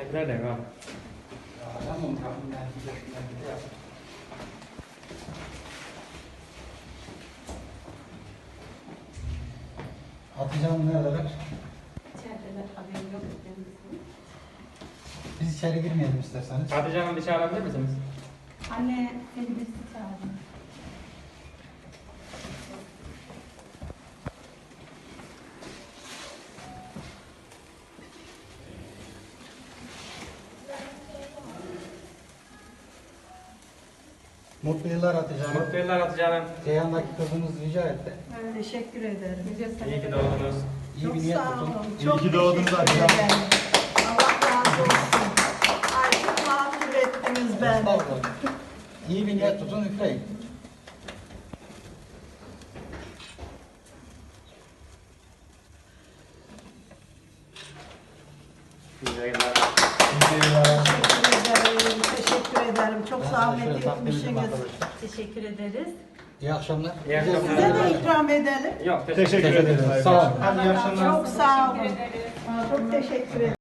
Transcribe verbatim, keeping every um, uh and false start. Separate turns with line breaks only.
Nerede abi?
Tamam tamam ben gidiyorum. Hatice Hanım neredeler?
İçerideler, haberim yok kendisi.
Biz içeri girmeyelim isterseniz.
Hatice Hanım dışarı alabilir misiniz?
Anne, seni birisi çağırdı.
Mutlu yıllar Hatice Hanım.
Mutlu yıllar Hatice Hanım.
Ceyhan'daki kızınız rica etti.
Teşekkür ederim.
İyi ki doğdunuz.
İyi
Çok
bir niyet
sağ
tutun.
olun.
İyi
Çok
ki doğdunuz
teşekkür
Hatice Hanım.
ederim. Allah razı olsun. Ay çok mağdur ettiniz beni.
Estağfurullah. İyi bir niyet tutun, üfleyin.
İyi yayınlar.
İyi yıllar.
Teşekkür ederim. Teşekkür ederim. Çok
Ben
zahmet
size şöyle takdim edeyim
etmişsiniz.
arkadaşlar.
Teşekkür ederiz.
İyi akşamlar.
İyi akşamlar.
Size de ikram edelim.
Yok teşekkür,
Teşekkür ederim. Sağ olun.
Hadi iyi akşamlar. Çok sağ olun. Çok teşekkür ederim.